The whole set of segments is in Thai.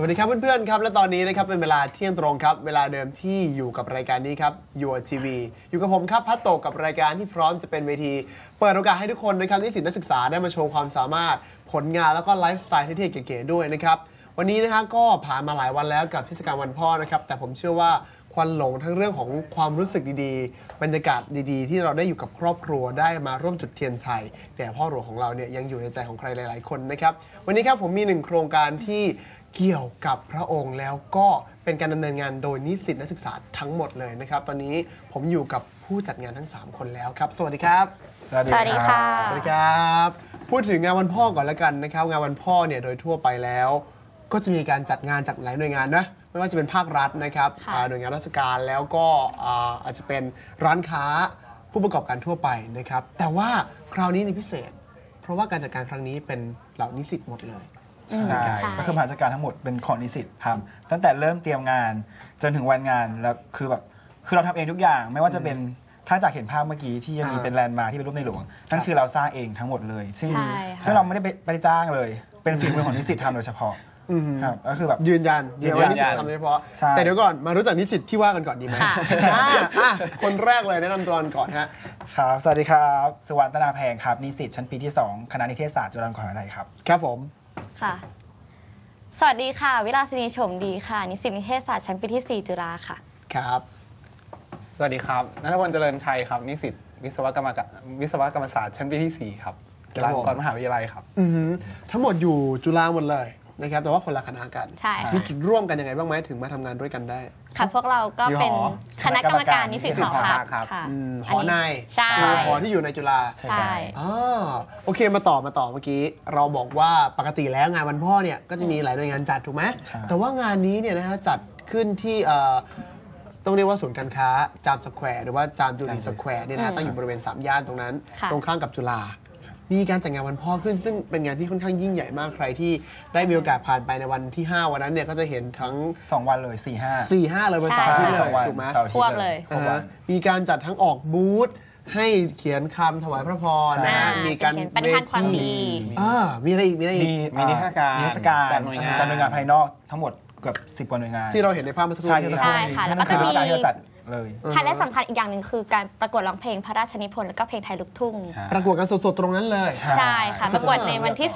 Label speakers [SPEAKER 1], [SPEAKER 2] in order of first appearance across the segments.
[SPEAKER 1] วัสดีครับเพื่อนๆครับและตอนนี้นะครับเป็นเวลาเที่ยงตรงครับเวลาเดิมที่อยู่กับรายการนี้ครับ Your TV อยู่กับผมครับพัตโตกับรายการที่พร้อมจะเป็นเวทีเปิดโอกาสให้ทุกคนนะครับนิสิตนักศึกษาได้มาโชว์ความสามารถผลงานแล้วก็ไลฟ์สไตล์เท่ๆเก๋ๆด้วยนะครับวันนี้นะฮะก็ผ่านมาหลายวันแล้วกับเทศกาลวันพ่อนะครับแต่ผมเชื่อว่าควันหลงทั้งเรื่องของความรู้สึกดีๆบรรยากาศดีๆที่เราได้อยู่กับครอบครัวได้มาร่วมจุดเทียนชัยแต่พ่อหลวงของเราเนี่ยยังอยู่ในใจของใครหลายๆคนนะครับวันนี้ครับผมมี1โครงการที่เกี่ยวกับพระองค์แล้วก็เป็นการดำเนินงานโดยนิสิตนักศึกษาทั้งหมดเลยนะครับตอนนี้ผมอยู่กับผู้จัดงานทั้ง3คนแล้วครับสวัสดีครับ
[SPEAKER 2] สวัสดีค่ะ
[SPEAKER 1] สวัสดีครับพูดถึงงานวันพ่อก่อนแล้วกันนะครับงานวันพ่อเนี่ยโดยทั่วไปแล้วก็จะมีการจัดงานจากหลายหน่วยงานนะไม่ว่าจะเป็นภาครัฐนะครับหน่วยงานราชการแล้วก็อาจจะเป็นร้านค้าผู้ประกอบการทั่วไปนะครับแต่ว่าคราวนี้ในพิเศษเพราะว่าการจัดการครั้งนี้เป็นเหล่านิสิตหมดเลย
[SPEAKER 2] ใช่ก็คือราชการทั้งหมดเป็นของนิสิตทำตั้งแต่เริ่มเตรียมงานจนถึงวันงานแล้วคือเราทำเองทุกอย่างไม่ว่าจะเป็นถ้าจากเห็นภาพเมื่อกี้ที่ยังมีเป็นแลนด์มาร์คที่เป็นรูปในหลวงนั่นคือเราสร้างเองทั้งหมดเลยซึ่งเราไม่ได้ไปจ้างเลยเป็นฝีมือของนิสิตทำโดยเฉพาะครับก็คือแบบ
[SPEAKER 1] ยืนยันว่านิสิตทำโดยเฉพาะแต่เดี๋ยวก่อนมารู้จักนิสิตที่ว่ากันก่อนดีไหมคนแรกเลยแนะนำตัวก่อนฮะ
[SPEAKER 2] ครับสวัสดีครับสุวรรณตนาแพงครับนิสิตชั้นปีที่2คณะนิเทศศาสตร์จุฬาลงกรณ์มหาวิทยาลัยครับ
[SPEAKER 1] ครับผม
[SPEAKER 3] ค่ะสวัสดีค่ะวิลาสินีชมดีค่ะนิสิตนิเทศศาสตร์ชั้นปีที่4จุฬาค่ะ
[SPEAKER 1] ครับ
[SPEAKER 4] สวัสดีครับณัฐพลเจริญชัยครับนิสิตวิศวกรรมศาสตร์ชั้นปีที่4ครับจุฬาลงกรณ์มหาวิทยาลัยครับ
[SPEAKER 1] ทั้งหมดอยู่จุฬาหมดเลยนะครับแต่ว่าคนละคณะกัน
[SPEAKER 3] ใช่
[SPEAKER 1] มีจุดร่วมกันยังไงบ้างไหมถึงมาทำงานด้วยกันได้
[SPEAKER 3] ค่ะพวกเราก็เป็นคณะกรรมการนิสิตหอพักค่ะ
[SPEAKER 1] หอใน
[SPEAKER 3] ใช่
[SPEAKER 1] หอที่อยู่ในจุฬา
[SPEAKER 3] ใช่
[SPEAKER 1] โอเคมาต่อเมื่อกี้เราบอกว่าปกติแล้วงานวันพ่อเนี่ยก็จะมีหลายหน่วยงานจัดถูกไหมแต่ว่างานนี้เนี่ยนะฮะจัดขึ้นที่ต้องเรียกว่าศูนย์การค้าจามสแควร์หรือว่าจามจุรีสแควร์เนี่ยนะตั้งอยู่บริเวณ3ย่านตรงนั้นตรงข้ามกับจุฬามีการจัดงานวันพ่อขึ้นซึ่งเป็นงานที่ค่อนข้างยิ่งใหญ่มากใครที่ได้มีโอกาสผ่านไปในวันที่5วันนั้นเนี่ยก็จะเห็นทั้ง
[SPEAKER 2] 2วันเลย4-5
[SPEAKER 1] เลยวันเสาร์ที่เลยถูกไหม
[SPEAKER 3] พวกเลย
[SPEAKER 1] มีการจัดทั้งออกบูธให้เขียนคำถวายพระพรนะมีการ
[SPEAKER 3] ปฏิทานความดี
[SPEAKER 1] มีอะไรอีก
[SPEAKER 2] มีนิทรรศการจากหน่วยงานภายนอกทั้งหมดเกือบ10 กว่าหน่วยงาน
[SPEAKER 1] ที่เราเห็นในภาพเมื่อสักครู่นี้
[SPEAKER 3] ใช่ค่ะแล้วก็จะมี
[SPEAKER 2] เลย
[SPEAKER 3] ไฮไลท์สำคัญอีกอย่างหนึ่งคือการประกวดร้องเพลงพระราชนิพนธ์แล้วก็เพลงไทยลูกทุ่ง
[SPEAKER 1] ประกวดกันสดๆตรงนั้นเลย
[SPEAKER 3] ใช่ค่ะประกวดในวันที่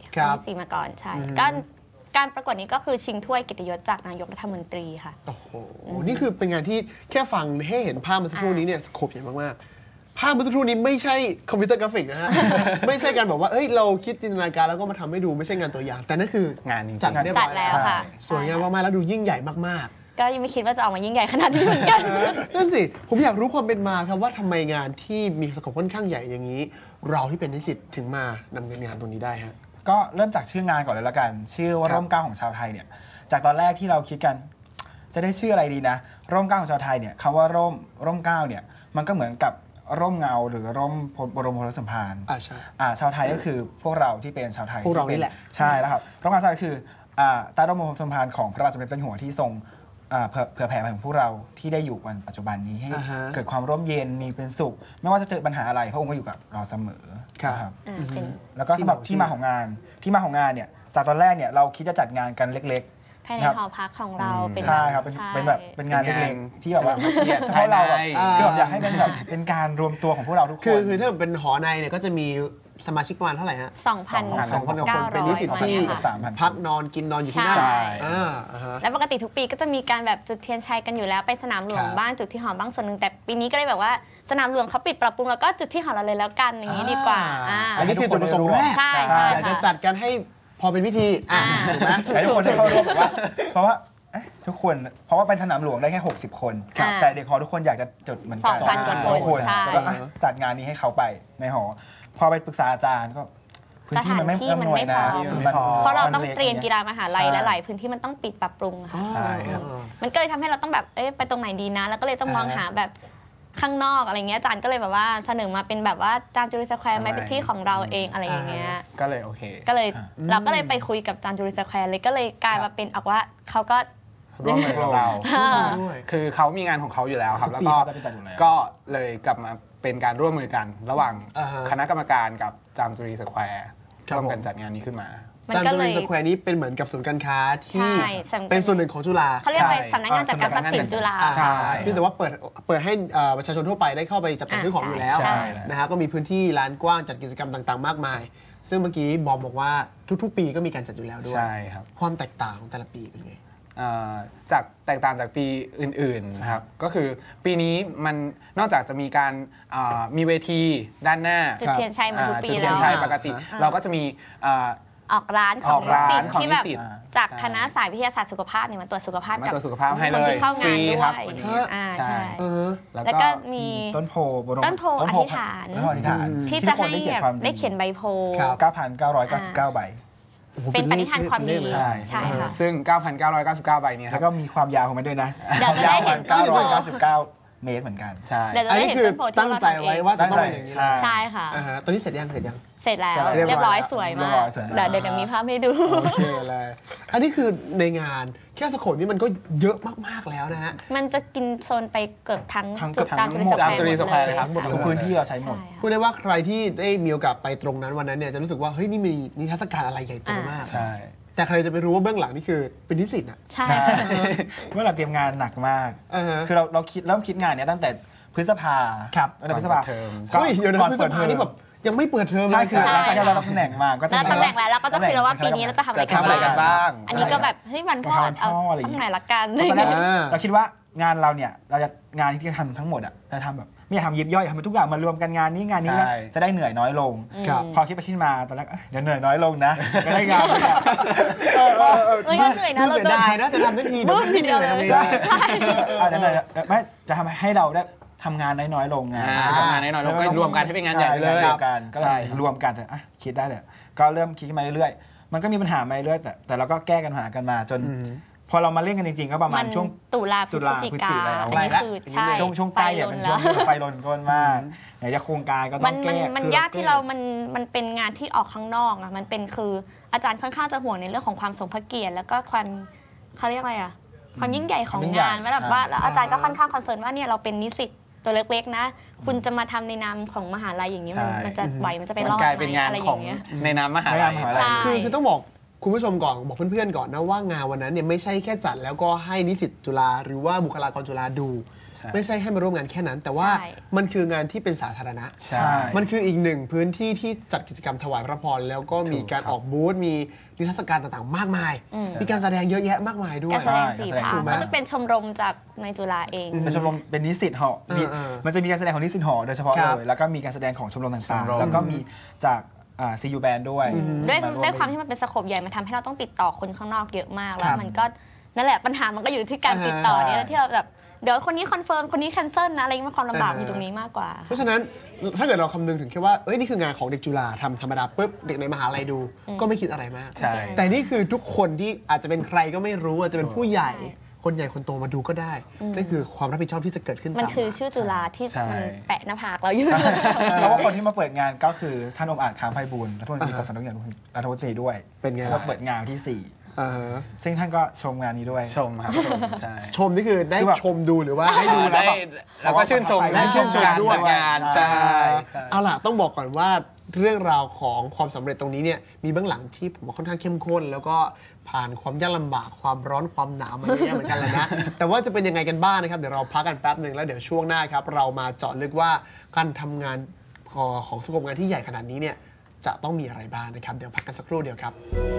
[SPEAKER 3] 4มาก่อนใช่การประกวดนี้ก็คือชิงถ้วยเกียรติยศจากนายกรัฐมนตรีค่ะ
[SPEAKER 1] โอ้โหนี่คือเป็นงานที่แค่ฟังให้เห็นภาพเมื่อสักครู่นี้เนี่ยสโคปใหญ่มากๆภาพเมื่อสักครู่นี้ไม่ใช่คอมพิวเตอร์กราฟิกนะฮะไม่ใช่การบอกว่าเราคิดจินตนาการแล้วก็มาทำให้ดูไม่ใช่งานตัวอย่างแต่นั่นคือง
[SPEAKER 4] าน
[SPEAKER 1] จัดเรียบร้อย
[SPEAKER 3] แล้วค่ะ
[SPEAKER 1] สวยงามมากๆแล้วดูยิ่งใหญ่มาก
[SPEAKER 3] ๆก็ยังไม่คิดว่าจะออกมายิ่งใหญ่ขนาดนี้เหมือนกัน
[SPEAKER 1] นั่นสิผมอยากรู้ความเป็นมาครับว่าทำไมงานที่มีสโคปค่อนข้างใหญ่อย่างนี้เราที่เป็นนิสิตถึงมานำเนินงานตรงนี้ได้ฮะ
[SPEAKER 2] ก็เริ่มจากชื่องานก่อนเลยละกันชื่อว่าร่มเกล้าของชาวไทยเนี่ยจากตอนแรกที่เราคิดกันจะได้ชื่ออะไรดีนะร่มเกล้าของชาวไทยเนี่ยคำว่าร่มเกล้าเนี่ยมันก็เหมือนกับร่มเงาหรือร่มบรมโพธิสมภาร
[SPEAKER 1] ใช่
[SPEAKER 2] ชาวไทยก็คือพวกเราที่เป็นชาวไทย
[SPEAKER 1] พวกเรานี่แหละ
[SPEAKER 2] ใช่แล้วครับร่มเกล้าชาวไทยคือใต้ร่มโพธิสมภารของพระบาทสมเด็จพระเจ้าอยู่หัวที่ทรงเผื่อแผ่มาถึงพวกเราที่ได้อยู่วันปัจจุบันนี้ให้เกิดความร่มเย็นมีเป็นสุขไม่ว่าจะเจอปัญหาอะไรพระองค์ก็อยู่กับเราเสมอ
[SPEAKER 1] ครับ
[SPEAKER 2] แล้วก็สำหรับที่มาของงานเนี่ยจากตอนแรกเนี่ยเราคิดจะจัดงานกันเล็ก
[SPEAKER 3] ๆภายในหอพักของเราเป็น
[SPEAKER 2] ใช่ครับเป็นแบบเป็นงานเล็กๆที่แบบว่าเฉพาะเราแบบคืออยากให้เป็นแบบเป็นการรวมตัวของพวกเราทุกคน
[SPEAKER 1] คือถ้าเป็นหอในเนี่ยก็จะมีสมาชิกประมาณเท่าไหร่ฮะ
[SPEAKER 3] 2,000
[SPEAKER 1] คนเป็นนิสิตที่พักนอนกินนอนอยู่ที่นั่น
[SPEAKER 3] แล้วปกติทุกปีก็จะมีการแบบจุดเทียนชัยกันอยู่แล้วไปสนามหลวงบ้างจุดที่หอบ้างส่วนหนึ่งแต่ปีนี้ก็เลยแบบว่าสนามหลวงเขาปิดปรับปรุงแล้วก็จุดที่หอเราเลยแล้วกันอย่างนี้ดีกว่า
[SPEAKER 1] อันนี้คือจุดประสงค์แรกอยากจะจัดกันให้พอเป็นพิธีถูกไหม
[SPEAKER 2] ทุกคนจะเข้าร่วมเพราะว่าทุกคนเพราะว่าเป็นสนามหลวงได้แค่60 คนแต่เด็กหอทุกคนอยากจะจดเหมือนกัน
[SPEAKER 3] 2,000 คน
[SPEAKER 2] แล้วก็จัดงานนี้ให้เขาไปในหอพอไปปรึกษาอาจารย์ก็พื้นที่มันไม่พอ
[SPEAKER 3] เพราะเราต้องเตรียมกีฬามหาลัยและหลายพื้นที่มันต้องปิดปรับปรุงค่ะมันก็เลยทำให้เราต้องแบบไปตรงไหนดีนะแล้วก็เลยต้องมองหาแบบข้างนอกอะไรเงี้ยอาจารย์ก็เลยแบบว่าเสนอมาเป็นแบบว่าจามจุรีสแควร์ไหมเป็นที่ของเราเองอะไรอย่างเงี้ย
[SPEAKER 4] ก็เลยโอเค
[SPEAKER 3] ก็เลยเราก็เลยไปคุยกับจามจุรีสแควร์เลยก็เลยกลายมาเป็นออกว่าเขาก็
[SPEAKER 4] ร่วมมือกับเราคือเขามีงานของเขาอยู่แล้วครับแล้วก็เลยกลับมาเป็นการร่วมมือกันระหว่างคณะกรรมการกับจามจุรีสแควร์ร่วมกันจัดงานนี้ขึ้นมา
[SPEAKER 3] มัน
[SPEAKER 1] จาม
[SPEAKER 3] ก็
[SPEAKER 1] จุ
[SPEAKER 3] เล
[SPEAKER 1] รี
[SPEAKER 3] ย
[SPEAKER 1] สแควร์นี้เป็นเหมือนกับศูนย์การค้าที่
[SPEAKER 3] ใช่สำคัญ
[SPEAKER 1] เป็นส่วนหนึ่งของจุฬา
[SPEAKER 3] เขาเรียกว่า
[SPEAKER 2] ใช่
[SPEAKER 3] สำนักงานจัดการทรัพย์สินจุฬา
[SPEAKER 1] อ่า
[SPEAKER 2] ใช่
[SPEAKER 1] เพียงแต่ว่าเปิดให้ประชาชนทั่วไปได้เข้าไปจับจ่ายซื้อของอยู่แล้ว
[SPEAKER 3] ใช่
[SPEAKER 1] นะฮะก็มีพื้นที่ลานกว้างจัดกิจกรรมต่างๆ มากมาย ซึ่งเมื่อกี้บอมบอกว่าทุกๆ ปีก็มีการจัดอยู่แล้วด้วย
[SPEAKER 4] ใช่ครับ
[SPEAKER 1] ความแตกต่างของแต่ละปีเป็นไง
[SPEAKER 4] จากแตกต่างจากปีอื่นๆนะครับก็คือปีนี้มันนอกจากจะมีการมีเวทีด้านหน้า
[SPEAKER 3] จุดเทียนชัยเหมือนทุกปี
[SPEAKER 4] จุด
[SPEAKER 3] แล้
[SPEAKER 4] เทียน
[SPEAKER 3] ว
[SPEAKER 4] ชัยปกติ เราก็จะมีอ่า
[SPEAKER 3] ออกร้านข
[SPEAKER 4] อ
[SPEAKER 3] อ
[SPEAKER 4] อง กร้าน
[SPEAKER 3] นิสิต
[SPEAKER 4] ของ
[SPEAKER 3] ที่แบบ
[SPEAKER 4] นิสิต
[SPEAKER 3] จากคณะสายวิทยาศาสตร์สุขภาพเนี่ยมาตรวจสุขภาพ
[SPEAKER 4] มา
[SPEAKER 3] กับ
[SPEAKER 4] ตรวจสุขภาพให้
[SPEAKER 3] ค
[SPEAKER 4] เล
[SPEAKER 3] น
[SPEAKER 4] ย
[SPEAKER 3] ที่เข้างาน
[SPEAKER 4] ฟรี
[SPEAKER 3] ด้
[SPEAKER 4] คว รับ
[SPEAKER 3] ย
[SPEAKER 4] วันนี้
[SPEAKER 3] ใช่
[SPEAKER 1] เออ
[SPEAKER 3] แล้วก็มี
[SPEAKER 2] ต้นโพบรม
[SPEAKER 3] ต้นโพอธิษฐาน
[SPEAKER 2] ต้นโพอธิษฐาน
[SPEAKER 3] ที่จะ
[SPEAKER 2] ทุกคน
[SPEAKER 3] ให้
[SPEAKER 2] ได้เขียนความ
[SPEAKER 3] ได้เขียนใบโพล
[SPEAKER 1] ครับ
[SPEAKER 2] 9,999 ใบ
[SPEAKER 1] โอ้โห
[SPEAKER 3] เป็นปณิธานความดี
[SPEAKER 1] เลขเลย
[SPEAKER 2] ใช่
[SPEAKER 3] ใช่ค่ะ
[SPEAKER 4] ซึ่ง 9,999 ใบเนี้ค
[SPEAKER 2] แล้
[SPEAKER 4] รับ
[SPEAKER 2] วก็มีความยาวของมันด้วยนะ
[SPEAKER 3] เดี๋ยวจะได้เห็นต้นโพ
[SPEAKER 2] 999 เมตรเหมือนกัน
[SPEAKER 4] ใช่
[SPEAKER 3] เดี๋ยวจะ
[SPEAKER 1] อัน
[SPEAKER 3] ได้
[SPEAKER 1] นี้
[SPEAKER 3] เห็น
[SPEAKER 1] คือ
[SPEAKER 3] ต้นโพที่
[SPEAKER 1] ตั้งใจไว้ว่าจะต้องเป็นอย่างนี้เลย
[SPEAKER 3] ใช่ค่ะ
[SPEAKER 1] อ่าฮะตอนนี้เสร็จยัง
[SPEAKER 3] เสร็จแล้ว
[SPEAKER 2] เสร็จแล้ว
[SPEAKER 3] เรียบร้อยสวย
[SPEAKER 2] เรีย
[SPEAKER 3] มา
[SPEAKER 2] บร้
[SPEAKER 3] ก
[SPEAKER 2] อยสวยมาก
[SPEAKER 3] เดี๋ยวมีภาพให้ดู
[SPEAKER 1] โอเคเลย อันนี้คือในงานแค่สโคปนี่มันก็เยอะมากๆแล้วนะฮะ
[SPEAKER 3] มันจะกินโซนไปเกือบทั้ง
[SPEAKER 2] ทั้ง
[SPEAKER 3] จุด
[SPEAKER 2] เกือบ
[SPEAKER 3] ตาม
[SPEAKER 2] ทั้
[SPEAKER 3] จุ
[SPEAKER 2] ง
[SPEAKER 3] ดสแคว
[SPEAKER 4] ตามจุฬาสแควร์
[SPEAKER 3] ร์
[SPEAKER 4] เลยครับ
[SPEAKER 1] หมดเลย
[SPEAKER 2] ทุกพื้นที่เราใช้หมด
[SPEAKER 3] ใช่
[SPEAKER 1] พูดได้ว่าใครที่ได้มีโอกาสไปตรงนั้นวันนั้นเนี่ยจะรู้สึกว่าเฮ้ยนี่มีนิทรรศการอะไรใหญ่โตมาก
[SPEAKER 4] ใช่
[SPEAKER 1] แต่ใครจะไปรู้ว่าเบื้องหลังนี่คือเป็นนิสิตอ่ะ
[SPEAKER 3] ใช่
[SPEAKER 2] เมื่อเราเตรียมงานหนักมาก
[SPEAKER 1] อ่าฮะ
[SPEAKER 2] คือเราเริ่มคิดงานเนี้ยตั้งแต่พฤษภา
[SPEAKER 1] ครับ
[SPEAKER 2] ตั้งแต่พฤษภา
[SPEAKER 4] ก่อนเปิดเทอม
[SPEAKER 1] เฮ้ยเดี๋ยวนะ
[SPEAKER 2] ก่อน
[SPEAKER 1] พฤษ
[SPEAKER 2] เปิด
[SPEAKER 1] ภา
[SPEAKER 2] เทอม
[SPEAKER 1] นี่แบบยังไม่เปิดเทอมเล
[SPEAKER 2] ใช่
[SPEAKER 1] ย
[SPEAKER 2] คือหลังจากที่
[SPEAKER 3] ใช่
[SPEAKER 2] เรารับตำแหน่งมาก็จะ
[SPEAKER 3] แล้วตำแหน่งแล้วเราก็จะคุยแล้วว่าปีนี้เราจะทำอะไร
[SPEAKER 4] จะทำอะไรกันบ้าง
[SPEAKER 3] อันนี้ก็แบบเฮ้ยวันพ่อเอาสักหน่อยละกัน
[SPEAKER 2] ตอนแรก
[SPEAKER 1] อ่า
[SPEAKER 2] เราคิดว่างานเราเนี่ยเราจะงานที่จะทำทั้งหมดอ่ะจะทำแบบไม่อยากทำยิบย่อยทำทุกอย่างมารวมกันงานนี้งานนี้นะ
[SPEAKER 4] ใช่
[SPEAKER 2] จะได้เหนื่อยน้อยลง
[SPEAKER 1] ครับ
[SPEAKER 2] พอคิดไปคิดมาตอนแรกเดี๋ยวเหนื่อยน้อยลงนะจะได้งานเลยอะ
[SPEAKER 3] เฮ้ยก็เหนื่อยนะ
[SPEAKER 1] เสียดายนะจะทำทันทีเดี๋ยวมันไม่เหนื่อยทำไม่ได้
[SPEAKER 2] เดี๋ยวไม่จะทำให้เราได้ทำงานน้อยๆลงไง
[SPEAKER 4] ทำงานน้อยๆลงก็รวมกันให้เป็นงานใหญ่ไปเลย
[SPEAKER 2] รวมกันก็
[SPEAKER 4] ใช่
[SPEAKER 2] รวมกันคิดได้เลยก็เริ่มคิดขึ้นมาเรื่อยๆมันก็มีปัญหามาเรื่อยๆแต่เราก็แก้กันหากันมาจน พอเรามาเล่นกันจริงๆ ก็ประมา
[SPEAKER 3] มั
[SPEAKER 2] ณ
[SPEAKER 3] น
[SPEAKER 2] ช่วง
[SPEAKER 3] ตุลาพฤศจิกา
[SPEAKER 2] แล้ว
[SPEAKER 3] อันนี้คือใช่
[SPEAKER 2] ช่วงใกล้
[SPEAKER 3] ไฟ
[SPEAKER 2] เนี่ย
[SPEAKER 3] ล
[SPEAKER 2] เป็น น
[SPEAKER 3] แล้ว
[SPEAKER 2] ช่วงไฟลนก้นมากไหนจะโครงการก็ต้
[SPEAKER 3] มั
[SPEAKER 2] อน งแก้
[SPEAKER 3] มัน
[SPEAKER 2] คือ
[SPEAKER 3] ยากที่เรามันเป็นงานที่ออกข้างนอกอะมันเป็นคืออาจารย์ค่อนข้างจะห่วงในเรื่องของความสมพระเกียรติแล้วก็ความเขาเรียกอะไรอะความยิ่งใหญ่ของงานว่าแบบว่าแล้วอาจารย์ก็ค่อนข้างคอนเซิร์นว่าเนี่ยเราเป็นนิสิตตัวเล็กๆนะ คุณจะมาทำในนามของมหาลัยอย่างนี้มันจะไหวมันจะไปรอด
[SPEAKER 4] กลาย
[SPEAKER 3] ไหม
[SPEAKER 4] เป็นงาน
[SPEAKER 3] อะไรอ
[SPEAKER 4] ของ
[SPEAKER 3] ย่างเงี้ย
[SPEAKER 4] ในนามมหาลัย
[SPEAKER 3] ใช่
[SPEAKER 1] คือต้องบอกคุณผู้ชมก่อนบอกเพื่อนๆก่อนนะว่างานวันนั้นเนี่ยไม่ใช่แค่จัดแล้วก็ให้นิสิตจุฬาหรือว่าบุคลากรจุฬาดู
[SPEAKER 4] ใช่
[SPEAKER 1] ไม่ใช่ให้มาร่วมงานแค่นั้น แต่ว่า
[SPEAKER 3] ใช่
[SPEAKER 1] มันคืองานที่เป็นสาธารณะ
[SPEAKER 4] ใช่
[SPEAKER 1] มันคืออีกหนึ่งพื้นที่ที่จัดกิจกรรมถวายพระพรแล้วก็มีการออกบูธมีนิทรรศการต่างๆ มากมาย มีการแสดงเยอะแยะมากมายด้ว
[SPEAKER 3] กาย รแสดงสี่ภาค
[SPEAKER 1] ถูกไหม
[SPEAKER 3] ก็จะเป็นชมรมจากในจุฬาเอง
[SPEAKER 2] เป็นชมรมเป็นนิสิตหอมี มันจะมีการแสดงของนิสิตหอโดยเฉพาะ
[SPEAKER 1] ครับ
[SPEAKER 2] เลยแล้วก็มีการแสดงของชมรม
[SPEAKER 4] ช
[SPEAKER 2] ต่าง
[SPEAKER 4] มรม
[SPEAKER 2] ๆแล้วก็มีจากCU Band ด้วย
[SPEAKER 3] ด้วยความที่มันเป็นสโคปใหญ่มันทำให้เราต้องติดต่อคนข้างนอกเยอะมากแล้
[SPEAKER 1] ครั
[SPEAKER 3] ว
[SPEAKER 1] บ
[SPEAKER 3] มันก็นั่นแหละปัญหามันก็อยู่ที่การติดต่อเนี่ย
[SPEAKER 2] ใช่
[SPEAKER 3] ที่เราแบบเดี๋ยวคนนี้คอนเฟิร์มคนนี้แคนเซิลนะอะไรมันความลำบากอยู่ตรงนี้มากกว่า
[SPEAKER 1] เพราะฉะนั้นถ้าเกิดเราคำนึงถึงแค่ว่าเอ้ยนี่คืองานของเด็กจุฬาทำธรรมดาปุ๊บเด็กในมหาลัยดูก็ไม่คิดอะไรมาก
[SPEAKER 4] ใช่
[SPEAKER 1] แต่นี่คือทุกคนที่อาจจะเป็นใครก็ไม่รู้อาจจะเป็นผู้ใหญ่ คนใหญ่คนโตมาดูก็ได้นั่นคือความรับผิดชอบที่จะเกิดขึ้น
[SPEAKER 3] มัน
[SPEAKER 1] ตาม
[SPEAKER 3] คือ
[SPEAKER 1] มา
[SPEAKER 3] ชื่อจุฬาที่
[SPEAKER 4] ใช่
[SPEAKER 3] มันแปะหน้าผากเราอยู่
[SPEAKER 2] แล้วว่าคนที่มาเปิดงานก็คือท่านองค์อาจค้างไพบูลย์รัฐมนตรีจากสำนักงานรัฐมนตรีด้วย
[SPEAKER 1] เป็นไง
[SPEAKER 2] แล้ว
[SPEAKER 1] ล่ะ
[SPEAKER 2] เปิดงานที่
[SPEAKER 1] อ่าฮะ
[SPEAKER 2] 4 ซึ่งท่านก็ชมงานนี้ด้วย
[SPEAKER 4] ชมครับชมใช่
[SPEAKER 1] ชมนี่คือได้
[SPEAKER 2] คือแบบ
[SPEAKER 1] ชมดูหรือว่า
[SPEAKER 2] ได้ดูแล้วแบบ
[SPEAKER 4] แล้วก็ชื่นชม
[SPEAKER 1] ได้ชื่นชม
[SPEAKER 4] การ
[SPEAKER 1] ด้วย
[SPEAKER 4] จัดงาน
[SPEAKER 2] ใช่
[SPEAKER 4] ใช่ใช่
[SPEAKER 1] เอาล่ะต้องบอกก่อนว่าเรื่องราวของความสำเร็จตรงนี้เนี่ยมีเบื้องหลังที่ผมว่าค่อนข้างเข้มข้น แล้วก็ผ่านความยากลำบากความร้อนความหนาวมาเยอะแยะเหมือนกันเลยนะ แต่ว่าจะเป็นยังไงกันบ้างนะครับเดี๋ยวเราพักกันแป๊บหนึ่งแล้วเดี๋ยวช่วงหน้าครับเรามาเจาะลึกว่าการทำงานของสโคปงานที่ใหญ่ขนาดนี้เนี่ยจะต้องมีอะไรบ้างนะครับเดี๋ยวพักกันสักครู่เดียวครับ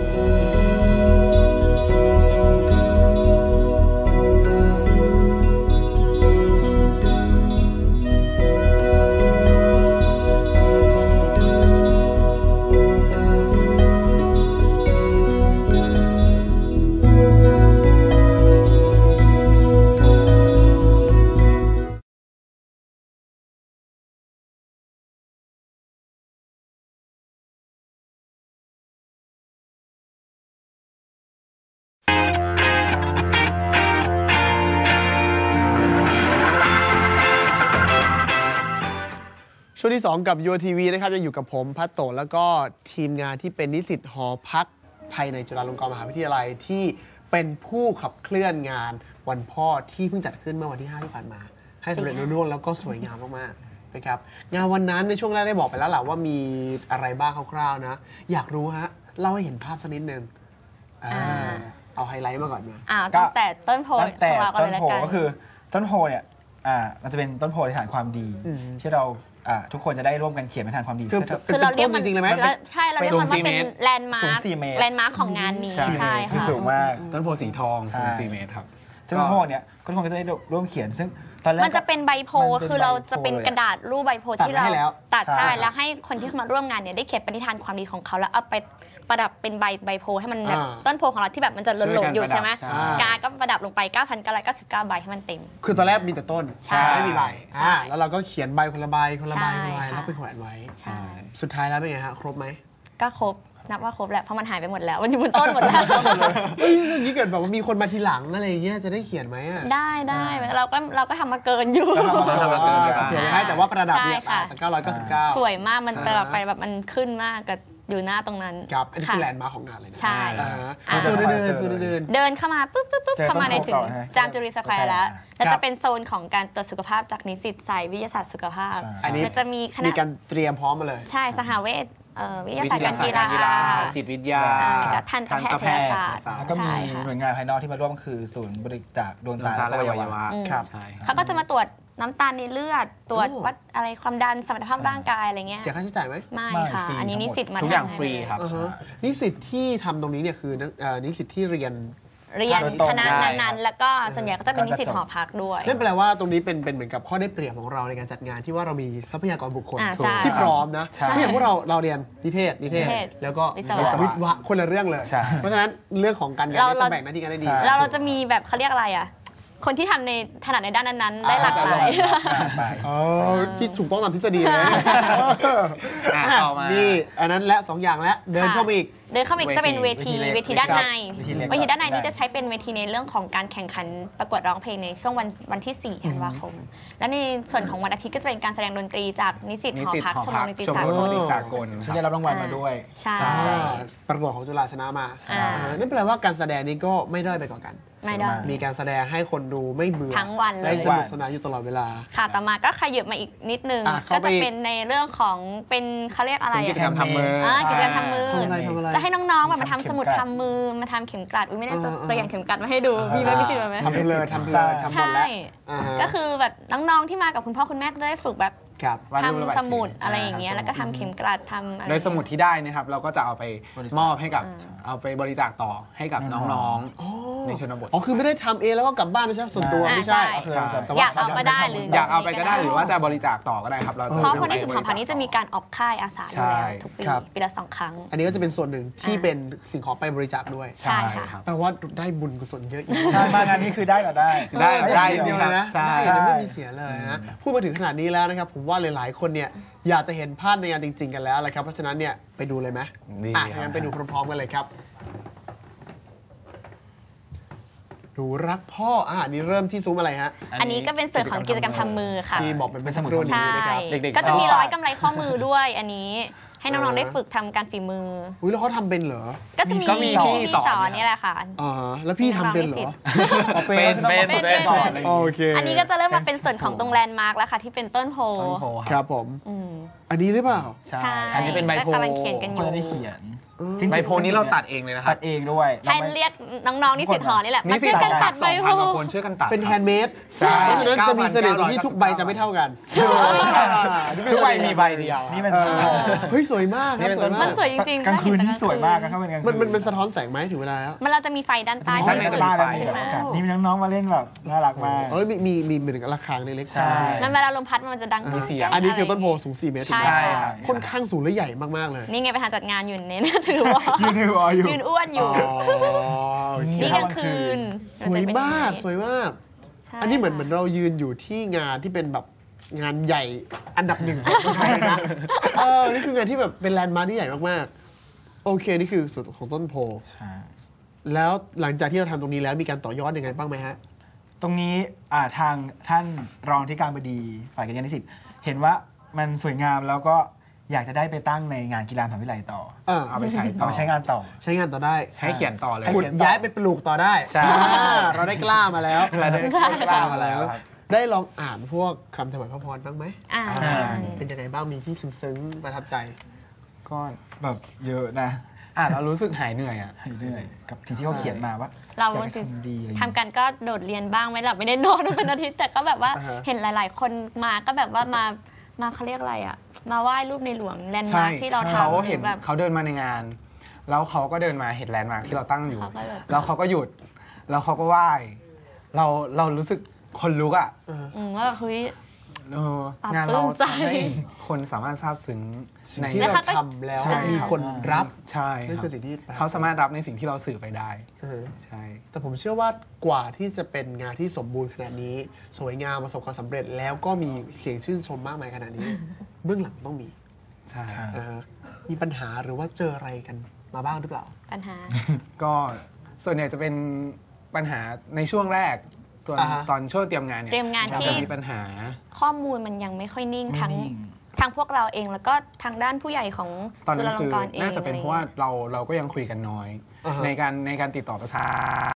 [SPEAKER 1] ช่วงที่ 2 กับ UTV นะครับยังอยู่กับผมพัตโตแล้วก็ทีมงานที่เป็นนิสิตหอพักภายในจุฬาลงกรณ์มหาวิทยาลัยที่เป็นผู้ขับเคลื่อนงานวันพ่อที่เพิ่งจัดขึ้นเมื่อวันที่ 5 ที่ผ่านมา ให้สำเร็จรุ่ร่วงแล้วก็สวยงามมากๆนะครับงานวันนั้นในช่วงแรกได้บอกไปแล้วแหละว่ามีอะไรบ้างคร่าวๆนะอยากรู้ฮะเล่าให้เห็นภาพสักนิดนึงเอาไฮไลท์มาก่อนมา
[SPEAKER 3] ตั้งแต่ต้นโพ
[SPEAKER 2] ตั้งแต่
[SPEAKER 3] ของเรากัน
[SPEAKER 2] ต้
[SPEAKER 3] เล
[SPEAKER 2] น
[SPEAKER 3] ยละ
[SPEAKER 2] โพ
[SPEAKER 3] กัน
[SPEAKER 2] ก็คือต้นโพเนี่ยมันจะเป็นต้นโพในฐานความดี
[SPEAKER 1] อืม
[SPEAKER 2] ที่เราทุกคนจะได้ร่วมกันเขียนเป็นฐานความดี
[SPEAKER 1] คือ
[SPEAKER 3] คือเราเรียก
[SPEAKER 1] เป็นต้นจริงๆเลยไหม
[SPEAKER 3] แล้วใช่เราเรียกมันว่าเป็นแลนด์มา
[SPEAKER 2] สู
[SPEAKER 3] ร์
[SPEAKER 2] ง
[SPEAKER 3] ค
[SPEAKER 2] 4 เมตร
[SPEAKER 3] แลนด์มาร์คของงานนี้ใช่
[SPEAKER 2] ที่
[SPEAKER 3] ค่ะ
[SPEAKER 2] สูงมาก
[SPEAKER 4] ต้นโพสีทองสูง
[SPEAKER 2] ใช่
[SPEAKER 4] 4 เมตรครับ
[SPEAKER 2] ซึ่งต้นโพเนี่ยทุกคนก็จะได้ร่วมเขียนซึ่งตอนแรก
[SPEAKER 3] มันจะเป็นใบโพ
[SPEAKER 2] มันเป็น
[SPEAKER 3] คือเราจะ
[SPEAKER 2] ใบโพ
[SPEAKER 3] เป็น
[SPEAKER 2] เลย
[SPEAKER 3] กระดาษรูปใบโพ
[SPEAKER 1] ตัด
[SPEAKER 3] ที่
[SPEAKER 1] ไว้
[SPEAKER 3] เรา
[SPEAKER 1] ให้แล้ว
[SPEAKER 3] ตัด
[SPEAKER 2] ใช่
[SPEAKER 3] ใช่แล้วให้คนที่เข้ามาร่วมงานเนี่ยได้เขียนปณิธานความดีของเขาแล้วเอาไปประดับเป็นใบโพให้มันแบบต้นโพของเราที่แบบมันจะหล่นๆอยู่ใช่ไหม
[SPEAKER 4] ช่วยกันประดับ
[SPEAKER 3] กาก็ประดับลงไป 9,999 ใบให้มันเต็ม
[SPEAKER 1] คือตอนแรกมีแต่ต้น
[SPEAKER 3] ใช่
[SPEAKER 1] ไม่มีใบ
[SPEAKER 3] ใช่
[SPEAKER 1] แล้วเราก็เขียนใบคนละใบคนละใบคนละใบ
[SPEAKER 3] ใช่ค่ะ
[SPEAKER 1] แล้วไปแขวนไว้
[SPEAKER 3] ใช่
[SPEAKER 1] สุดท้ายแล้วเป็นไงฮะครบไหม
[SPEAKER 3] ก็ครบนับว่าครบแหละเพราะมันหายไปหมดแล้วมันอยู่บนต้นหมดแล้ว
[SPEAKER 1] เฮ้ยอย่างนี้เกิดแบบว่ามีคนมาทีหลังอะไรอย่างเงี้ยจะได้เขียนไหมอ่ะ
[SPEAKER 3] ได้เราก็ทำมาเกินอยู่
[SPEAKER 1] เขียนไว้ให้แต่ว่าประดับเนี่ย
[SPEAKER 3] ใช่ค่ะ
[SPEAKER 1] จาก999
[SPEAKER 3] สวยมากมันประดับไปแบบมันขึ้นมากกับอยู่หน้าตรงนั้น
[SPEAKER 1] ครับอันนี้คือ
[SPEAKER 3] ค่ะ
[SPEAKER 1] แลนด์มาร์คของงานเลยนะ
[SPEAKER 3] ใช่
[SPEAKER 1] ส่วนเดินส่วนเดิน
[SPEAKER 3] เดินเข้ามาปุ๊บ
[SPEAKER 2] เจอ
[SPEAKER 3] เข้ามาใน
[SPEAKER 2] ต้นโพ
[SPEAKER 3] ถึง
[SPEAKER 2] ก่อนฮะ
[SPEAKER 3] จามจุรีสแควร์แล้ว แล้ว
[SPEAKER 1] ครั
[SPEAKER 3] จะ
[SPEAKER 1] บ
[SPEAKER 3] เป็นโซนของการตรวจสุขภาพจากนิสิตสายวิทยาศาสตร์สุขภาพ
[SPEAKER 2] ใช่
[SPEAKER 1] อันนี้
[SPEAKER 3] แล้วจะมีคณะ
[SPEAKER 1] มีการเตรียมพร้อมมาเลย
[SPEAKER 3] ใช่สหเวชวิทยาศาสตร์การกีฬา
[SPEAKER 4] จิตวิทยา
[SPEAKER 3] และทันตแพทยศาสตร์
[SPEAKER 2] แล้วก็มี
[SPEAKER 3] ใช่ค่ะ
[SPEAKER 2] หน่วยงานภายนอกที่มาร่วมคือศูนย์บริจาคดวงตา
[SPEAKER 4] และ
[SPEAKER 2] และ
[SPEAKER 4] อ
[SPEAKER 2] อ
[SPEAKER 4] วั
[SPEAKER 2] วั
[SPEAKER 4] ย
[SPEAKER 2] ยวะ
[SPEAKER 4] วะ
[SPEAKER 1] ครับ
[SPEAKER 4] ใช่ครับ
[SPEAKER 3] เขาก็จะมาตรวจน้ำตาลในเลือด ตรวจ
[SPEAKER 1] โอ้
[SPEAKER 3] วัดอะไรความดันสมรรถภาพร่างกายอะไรเงี้ย
[SPEAKER 1] เสียค่าใช้จ่ายไหม
[SPEAKER 3] ไม่ค่ะ
[SPEAKER 2] ไม่ฟรี
[SPEAKER 3] อันนี้นิสิตมา
[SPEAKER 4] ทุกอย่าง
[SPEAKER 3] ทำให้
[SPEAKER 4] ฟรีครับ
[SPEAKER 1] อ่าฮะนิสิตที่ทำตรงนี้เนี่ยคือนิสิตที่เรียน
[SPEAKER 3] เรียน
[SPEAKER 2] โดยตรง
[SPEAKER 3] คณะ
[SPEAKER 4] ใช่
[SPEAKER 3] นั้นๆ แล้วก็ส่วนใหญ่ก็จะเป็นนิสิตหอพักด้วย
[SPEAKER 1] นั่นแปลว่าตรงนี้เป็นเหมือนกับข้อได้เปรียบของเราในการจัดงานที่ว่าเรามีทรัพยากรบุคคล
[SPEAKER 3] ใช่
[SPEAKER 1] ที่พร้อมนะ
[SPEAKER 2] ใช่
[SPEAKER 1] เพราะอย่างพวกเราเรียนนิเทศ
[SPEAKER 3] นิเทศ
[SPEAKER 1] แล้วก็
[SPEAKER 3] วิศวะ
[SPEAKER 1] วิศวะคนละเรื่องเลย
[SPEAKER 2] ใช่
[SPEAKER 1] เพราะฉะนั้นเรื่องของการงาน
[SPEAKER 3] เรา
[SPEAKER 1] เนี่ยจะแบ่งหน้าที่กันได้ดี
[SPEAKER 2] ใช่
[SPEAKER 3] เราจะมีแบบเขาเรียกอะไรอ่ะ คนที่ทำในถนัดในด้านนั้นๆ ได้หลากหลาย
[SPEAKER 2] ไป
[SPEAKER 1] อ๋อที่ถูกต้องตามทฤษฎีเลยนะ
[SPEAKER 4] ต่อมา
[SPEAKER 1] นี่อันนั้นและ2อย่างและเดินเข้ามาอีก
[SPEAKER 3] เดินเข้ามาอีกจะเป็นเวที
[SPEAKER 2] เวทีเล็ก
[SPEAKER 3] เวทีด้านใน
[SPEAKER 2] เวทีเล็ก
[SPEAKER 3] เวทีด้านใน
[SPEAKER 2] ได้
[SPEAKER 3] นี่จะใช้เป็นเวทีในเรื่องของการแข่งขันประกวดร้องเพลงในช่วงวันที่ 4 ธันวาคม และในส่วนของวันอาทิตย์ก็จะเป็นการแสดงดนตรีจากนิสิต
[SPEAKER 4] นิ
[SPEAKER 3] หอ
[SPEAKER 4] สิต
[SPEAKER 3] พัก
[SPEAKER 4] หอ
[SPEAKER 3] ชมร
[SPEAKER 4] พั
[SPEAKER 3] ม
[SPEAKER 4] ก
[SPEAKER 3] ดนตรี
[SPEAKER 4] ชม
[SPEAKER 3] สาร กล
[SPEAKER 4] รมดนตรีสากล
[SPEAKER 2] ฉันได้รับรางวัลมาด้วย
[SPEAKER 3] ใช่
[SPEAKER 1] ประกวดของจุฬาชนะมา
[SPEAKER 3] อ่า
[SPEAKER 1] นั่นแปลว่าการแสดงนี้ก็ไม่ด้อยไปกว่ากัน
[SPEAKER 3] ไม่ได้
[SPEAKER 1] มีการแสดงให้คนดูไม่เบื่อ
[SPEAKER 3] ทั้งวันเลย
[SPEAKER 1] ได้สนุกสนานอยู่ตลอดเวลา
[SPEAKER 3] ค่ะต่อมาก็ขยับมาอีกนิดนึง
[SPEAKER 1] เข้า
[SPEAKER 3] ก็
[SPEAKER 1] ไป
[SPEAKER 3] จะเป็นในเรื่องของเป็นเขาเรียกอะไร
[SPEAKER 4] ซึ่งกิจกรรม
[SPEAKER 3] อะ
[SPEAKER 4] ทำมือ
[SPEAKER 3] กิจกรรมทำมือ
[SPEAKER 1] ทำอะไร
[SPEAKER 3] จะให้น้องๆแบบมาทำ
[SPEAKER 2] ทำเข็ม
[SPEAKER 3] สมุด
[SPEAKER 2] กลัด
[SPEAKER 3] ทำมือมาทำเข็มกลัดอุ้ยไม่ได้ตัว
[SPEAKER 1] เออ
[SPEAKER 3] ตัวอย่างเข็มกลัดมาให้ดูมีไหมมีติดมาไหม
[SPEAKER 1] ทำเพลินทำเพลินทำหมด
[SPEAKER 3] ใช่
[SPEAKER 1] แล้วอ่าฮะ
[SPEAKER 3] ก็คือแบบน้องๆที่มากับคุณพ่อคุณแม่ก็จะได้ฝึกแบบ
[SPEAKER 1] ครับ
[SPEAKER 4] วาดรูประบาย
[SPEAKER 3] ทำสมุด
[SPEAKER 4] สี
[SPEAKER 3] อะไรอย่างเงี้ยแล้วก็ทำเข็มกลัดทำอะไร
[SPEAKER 4] โดยสมุดที่ได้นะครับเราก็จะเอาไป
[SPEAKER 2] บริจาค
[SPEAKER 4] มอบให้กับเอาไปบริจาคต่อให้กับน้องๆในชนบท
[SPEAKER 1] อ๋อคือไม่ได้ทำเองแล้วก็กลับบ้านไม่ใช่ส่วนตัว
[SPEAKER 3] อ่า
[SPEAKER 1] ไม่ใช่
[SPEAKER 3] ใช่
[SPEAKER 1] แต่
[SPEAKER 3] อยากเอาก็ได้หรือ
[SPEAKER 4] อยากเอาไปก็ได้หรือว่าจะบริจาคต่อก็ได้ครับเรา
[SPEAKER 3] เพราะคนที่สุดของพันนี้จะมีการออกค่ายอาสาอยู่แล้ว
[SPEAKER 4] ใช่
[SPEAKER 3] ทุกปี
[SPEAKER 1] ครับ
[SPEAKER 3] ปีละ2 ครั้ง
[SPEAKER 1] อันนี้ก็จะเป็นส่วนหนึ่งที่เป็นสิ่งของไปบริจาคด้วย
[SPEAKER 3] ใช่ค่ะ
[SPEAKER 4] ครับ
[SPEAKER 1] แปลว่าได้บุญกุศลเยอะอีก
[SPEAKER 2] ใช่มางานนี้คือได้ก็ได้
[SPEAKER 4] ได้
[SPEAKER 1] ได้
[SPEAKER 4] จริ
[SPEAKER 1] เดียว
[SPEAKER 4] ง
[SPEAKER 1] เลยนะ
[SPEAKER 4] ใช่
[SPEAKER 1] ได้เลยไม่มีเสียเลยนะพูดมาถึงขนาดนี้แล้วนะครับผมว่าหลายๆคนเนี่ยอยากจะเห็นภาพในงานจริง ๆ กันแล้วแหละครับเพราะฉะนั้นเนี่ยไปดูเลยไหม
[SPEAKER 4] ดี
[SPEAKER 1] อ่ะ
[SPEAKER 4] ครับ
[SPEAKER 1] งั้นไปดูพร้อมๆกันเลยครับหนูรักพ่ออันนี้เริ่มที่ซุ้มอะไรฮะ
[SPEAKER 3] อันนี้ก็เป็นส่วนของกิจกรรมทำมือค่ะ
[SPEAKER 1] ที่บอกเป็นสมุด
[SPEAKER 3] ใช่
[SPEAKER 1] นี้นะครับ
[SPEAKER 4] เด็กๆ
[SPEAKER 3] ก็จะมี
[SPEAKER 4] ชอบ
[SPEAKER 3] ร้อยกำไรข้อมือด้วยอันนี้ให้น้องๆได้ฝึกทำการฝีมือ
[SPEAKER 1] อุ้ยแล้วเขาทำเป็นเหรอ
[SPEAKER 3] ก็จะมี
[SPEAKER 4] ก็มีพี่
[SPEAKER 3] พี่
[SPEAKER 4] สอน
[SPEAKER 3] สอนนี่แหละค่ะ
[SPEAKER 1] อ๋อแล้วพี่ทำเป็นเหรออ๋อ
[SPEAKER 4] เป็น
[SPEAKER 2] สอนอะไรอย่าง
[SPEAKER 1] โอ
[SPEAKER 2] งี้
[SPEAKER 1] เค
[SPEAKER 3] อันนี้ก็จะเริ่มมาเป็นส่วนของตรงแลนด์มาร์กแล้วค่ะที่เป็นต้นโพ
[SPEAKER 4] ต้นโพ
[SPEAKER 1] ค
[SPEAKER 4] ค
[SPEAKER 1] รั
[SPEAKER 4] รั
[SPEAKER 1] บบ ผม
[SPEAKER 3] อืม
[SPEAKER 1] อันนี้หรือเปล่า
[SPEAKER 2] ใช่
[SPEAKER 3] ใช่
[SPEAKER 4] อันนี้เป็นใบโพ
[SPEAKER 3] ก็กำลังเขียนกันอ
[SPEAKER 2] คน
[SPEAKER 3] ยู่
[SPEAKER 2] จะได้เขียน
[SPEAKER 4] ใบโพนี้เราตัดเองเลยนะค
[SPEAKER 2] ตั
[SPEAKER 4] รับ
[SPEAKER 2] ดเองด้วย
[SPEAKER 3] ให้เรียกน้องๆนิสิตหอนี่แหละ
[SPEAKER 4] นี่
[SPEAKER 3] มา
[SPEAKER 4] สิ
[SPEAKER 3] ช่วยกันตัดใบโพ
[SPEAKER 4] 2,000 กว่าคนช่วยกันตัด
[SPEAKER 1] เป็นแฮนด์เมด
[SPEAKER 4] ใช่
[SPEAKER 1] เพราะฉะนั้นจะมีเสน่ห์ตรงที่ทุกใบจะไม่เท่ากัน
[SPEAKER 4] ทุกใบมีใบเดียว
[SPEAKER 2] นี่เป็น
[SPEAKER 1] เฮ้ยสวยมากครับ
[SPEAKER 4] นี่เป็น
[SPEAKER 1] สวย
[SPEAKER 4] ต้น
[SPEAKER 1] มา
[SPEAKER 3] มั
[SPEAKER 1] ก
[SPEAKER 3] นสวยจริงๆ
[SPEAKER 2] กลางคืน
[SPEAKER 3] ถ้
[SPEAKER 2] ที่
[SPEAKER 3] เห็
[SPEAKER 2] สวยมากนะถ้าเป็นกลางคืน
[SPEAKER 1] มันสะท้อนแสงไหมถึงเวลาแล้ว
[SPEAKER 3] มันเราจะมีไฟด้านใต้
[SPEAKER 2] ข้าง
[SPEAKER 3] ที่
[SPEAKER 2] ใน
[SPEAKER 3] จุ
[SPEAKER 2] จะ
[SPEAKER 3] ด
[SPEAKER 2] บ้าน
[SPEAKER 3] ไฟ
[SPEAKER 2] อะไร
[SPEAKER 3] ขึ้นมา
[SPEAKER 2] แบบนี่มีน้องๆมาเล่นแบบน่ารักมาก
[SPEAKER 1] อ๋อแล้วมีเหมือนกับระฆังเล็กๆ
[SPEAKER 2] ใช่
[SPEAKER 3] มันเวลาลมพัดมันจะดัง
[SPEAKER 4] มีเสียง
[SPEAKER 1] อันนี้คือต้นโพสูง4 เมตรถูกไหม
[SPEAKER 3] ใช่
[SPEAKER 4] ครับ
[SPEAKER 1] ค่อนข้างสูงและใหญ่มากๆเลย
[SPEAKER 3] นี่ไงไปหาจัดงานอยู่เน้นถือว่า
[SPEAKER 2] ยืนถือวออยู่
[SPEAKER 3] ยืนอ้วนอยู่
[SPEAKER 1] โอเค
[SPEAKER 3] นี่กลางคืน
[SPEAKER 1] สวยมากสวยมาก
[SPEAKER 3] ใช่
[SPEAKER 1] อันนี้เหมือนเรายืนอยู่ที่งานที่เป็นแบบงานใหญ่อันดับหนึ่งของประเทศไทยเลยนะนี่คืองานที่แบบเป็นแลนด์มาร์คที่ใหญ่มากๆ โอเค นี่คือส่วนของต้นโพ
[SPEAKER 2] ใช่
[SPEAKER 1] แล้วหลังจากที่เราทำตรงนี้แล้วมีการต่อยอดยังไงบ้างไหมฮะ
[SPEAKER 2] ตรงนี้ทางท่านรองที่การบดีฝ่ายการเรียนนิสิตเห็นว่ามันสวยงามแล้วก็อยากจะได้ไปตั้งในงานกีฬามหาวิทยาลัยต่อ
[SPEAKER 4] เอาไปใช้
[SPEAKER 2] เอาไปใช้งานต่อ
[SPEAKER 1] ใช้งานต่อได้
[SPEAKER 4] ใช้เขียนต่อเลย
[SPEAKER 1] ขุดย้ายไปปลูกต่อได้
[SPEAKER 4] ใช่
[SPEAKER 1] เราได้กล้ามาแล้ว
[SPEAKER 4] เราได้กล้ามาแล้วครับ
[SPEAKER 1] ได้ลองอ่านพวกคำถวายพระพรบ้างไหม
[SPEAKER 3] อ่า
[SPEAKER 1] เป็นยังไงบ้างมีที่ซึ้งๆประทับใจ
[SPEAKER 2] ก็แบบเยอะนะ
[SPEAKER 4] อ่านแล้วรู้สึกหายเหนื่อยอ่ะ
[SPEAKER 2] ให้เรื่อยกับสิ่งที่เขาเขียนมาว่า
[SPEAKER 3] เรา
[SPEAKER 2] อยากจะทำดีอะไรอย่าง
[SPEAKER 3] ทำ
[SPEAKER 2] เงี้ย
[SPEAKER 3] กันก็โดดเรียนบ้างไม่หลับไม่ได้นอนเป็นอาทิตย์แต่ก็แบบว่า
[SPEAKER 1] อ่าฮะ
[SPEAKER 3] เห็นหลาย ๆ คนมาก็แบบว่ามาเขาเรียกอะไรอ่ะมาไหว้รูปในหลวงแลนด์
[SPEAKER 4] ใช่
[SPEAKER 3] มาร์คที่เรา
[SPEAKER 4] เขา
[SPEAKER 3] ทำ
[SPEAKER 4] เห็น
[SPEAKER 3] แบบ
[SPEAKER 4] เขาเดินมาในงาน แล้วเขาก็เดินมาเห็นแลนด์มาร์คที่เราตั้งอยู่
[SPEAKER 3] เขาก็เลย
[SPEAKER 4] แล้วเขาก็หยุด แล้วเขาก็ไหว้เรารู้สึกคนลุกอ่ะ
[SPEAKER 3] ว่าเฮ้ย
[SPEAKER 4] เออ
[SPEAKER 3] ปลา
[SPEAKER 4] งานเรา
[SPEAKER 3] ปลื้มใจ
[SPEAKER 4] ทำให้คนสามารถซาบซึ้งใน
[SPEAKER 1] ที่
[SPEAKER 3] แล้ว
[SPEAKER 1] เรา
[SPEAKER 3] เขาก็
[SPEAKER 1] ทำแล้ว
[SPEAKER 4] ใช่
[SPEAKER 1] มีคนรับ
[SPEAKER 4] ใช่
[SPEAKER 1] นั่น
[SPEAKER 4] ครั
[SPEAKER 1] คื
[SPEAKER 4] บ
[SPEAKER 1] อสิ่งที่ประทับใจ
[SPEAKER 4] เขาสามารถรับในสิ่งที่เราสื่อไปได้
[SPEAKER 1] เออ
[SPEAKER 4] ใช่
[SPEAKER 1] แต่ผมเชื่อว่ากว่าที่จะเป็นงานที่สมบูรณ์ขนาดนี้ สวยงามประสบความสำเร็จแล้วก็มีเสียงชื่นชมมากมายขนาดนี้ เบื้องหลังต้องมี
[SPEAKER 4] ใช่
[SPEAKER 2] ใช่
[SPEAKER 1] มีปัญหาหรือว่าเจออะไรกันมาบ้างหรือเปล่า
[SPEAKER 3] ปัญหา
[SPEAKER 4] ก็ส่วนใหญ่จะเป็นปัญหาในช่วงแรกตอน
[SPEAKER 1] อ่าฮะ
[SPEAKER 4] ตอนช่วงเตรียมงานเนี่ย
[SPEAKER 3] เตรียมงานที่
[SPEAKER 4] จะมีปัญหา
[SPEAKER 3] ข้อมูลมันยังไม่ค่อยนิ่งทั้ง
[SPEAKER 2] ไม่นิ่ง
[SPEAKER 3] ทั้งพวกเราเองแล้วก็ทางด้านผู้ใหญ่ของ
[SPEAKER 4] ตอน
[SPEAKER 3] จุ
[SPEAKER 4] นั้
[SPEAKER 3] ฬาน ล
[SPEAKER 4] คื
[SPEAKER 3] ง
[SPEAKER 4] อก
[SPEAKER 3] รณ์เอง
[SPEAKER 4] น่าจะเป็นเพราะว่าเราก็ยังคุยกันน้อย
[SPEAKER 1] อ่าฮะ
[SPEAKER 4] ในการติดต่อประสาน